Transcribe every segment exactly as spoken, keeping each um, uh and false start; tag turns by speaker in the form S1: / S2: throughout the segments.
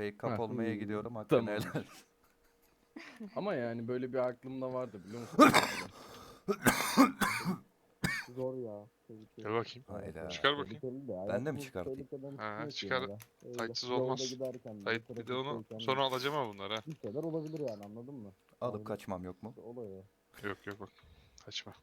S1: Fake kap
S2: Ha.
S1: olmaya
S3: Hmm,
S1: gidiyorum hakkını
S2: tamam.
S1: helal.
S2: Ama yani böyle bir aklımda vardı biliyor musun?
S3: Zor ya. Tehlikeli.
S4: Gel bakayım.
S1: Hayda.
S4: Çıkar bakayım.
S3: Tehlikeli de.
S1: Ben de mi
S3: hayatımız
S1: çıkartayım?
S3: tehlikeden
S4: Ha,
S3: çıkmıyor ki
S4: çıkar.
S3: yine de. Öyle.
S4: Tightsız
S3: Yolda
S4: olmaz.
S3: giderken de,
S4: Tight bir de onu
S3: trafikteyken de
S4: sonra alacağım ha bunları ha.
S3: bir şeyler olabilir yani, anladın mı?
S1: Alıp
S3: Yani
S1: kaçmam yok mu?
S3: oluyor.
S4: Yok yok bak. Kaçma.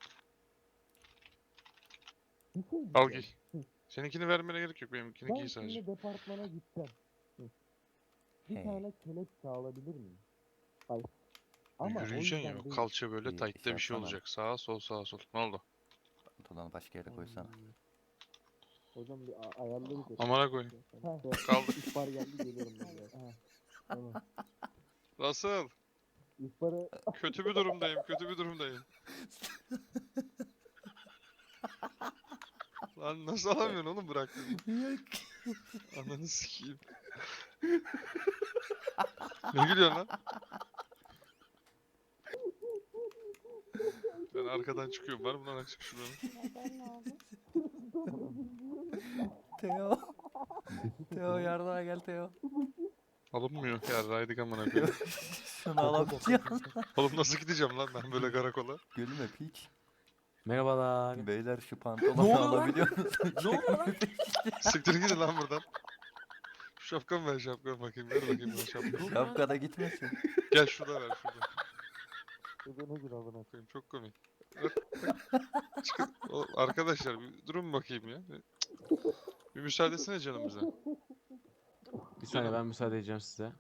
S3: Bir şey
S4: Al
S3: diyeceğim.
S4: giy. Seninkini vermene gerek yok. Benimkini
S3: Ben
S4: giy sadece.
S3: şimdi departmana gitsem. Hı. Bir
S1: He.
S3: tane kelepçe alabilir miyim? Hayır. Ama o
S4: Yürüyeceksin
S3: yüzden
S4: ya.
S3: değil.
S4: Kalça böyle
S1: Bir
S4: tight'te
S1: şey
S4: bir şey
S1: yapsana.
S4: olacak. Sağa sol sağa sol. Ne oldu?
S1: Pantolonu başka yere koysana.
S3: Ay. Hocam bir a- ayarla bir şey.
S4: Amına koyayım.
S3: Ha,
S4: Kaldık.
S3: İhbar geldi, geliyorum ben de. Ha, tamam.
S4: Nasıl?
S3: İhbarı
S4: Kötü bir durumdayım. Kötü bir durumdayım. Lan nasıl alamıyorsun oğlum bıraktın? Ananı sikeyim. Ne gülüyorsun lan? Ben arkadan çıkıyorum. Var mı lan açık şuranın?
S1: Teo. Teo yardıma gel Teo.
S4: Alınmıyor. Ya raydık amına koyayım.
S1: Şunu alamayacağım.
S4: Oğlum nasıl gideceğim lan ben böyle karakola?
S1: Gülme piç.
S5: Merhabalar.
S1: Beyler şu
S5: Ne
S1: pantolonu
S5: oluyor lan?
S1: alabiliyor musun?
S5: Ne oluyor lan?
S4: Siktir gidin lan buradan. Şu şapkamı ver şapkamı bakayım. Ver bakayım ben şapkamı.
S1: Şapkada gitmesin.
S4: Gel şurada ver şurada.
S3: ödene gir alına.
S4: Bakayım çok komik. Ver, bak. Çıkın. O, arkadaşlar bir durun bakayım ya. Bir, bir müsaadesine canım bize.
S5: Bir saniye ben müsaade edeceğim size.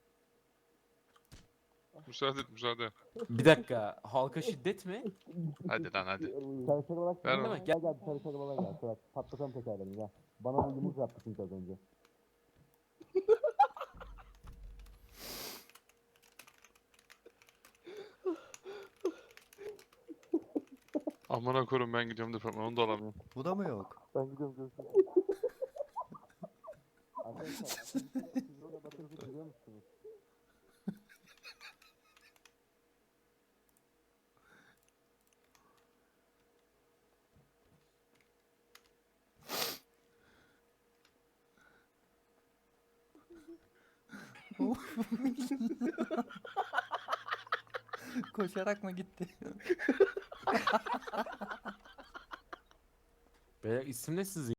S4: Müsaade et müsaade.
S5: Bir dakika. Halka şiddet mi?
S4: Hadi lan hadi.
S3: Çalışır olarak
S4: Ver
S3: gel.
S4: bana.
S3: Gel gel çalışır olarak gel. Bırak. Patlatalım tekerlerini gel. Bana bu yumruk yaptı çünkü az önce.
S4: Amına koyayım ben gidiyorum departmana onu da alamıyorum.
S1: Bu da mı yok?
S3: Ben gidiyorum, görüşürüz. Arkadaşlar, siz burada batırıcı biliyor musunuz?
S1: Koşarak mı gitti?
S5: Beyler isim ne sizin?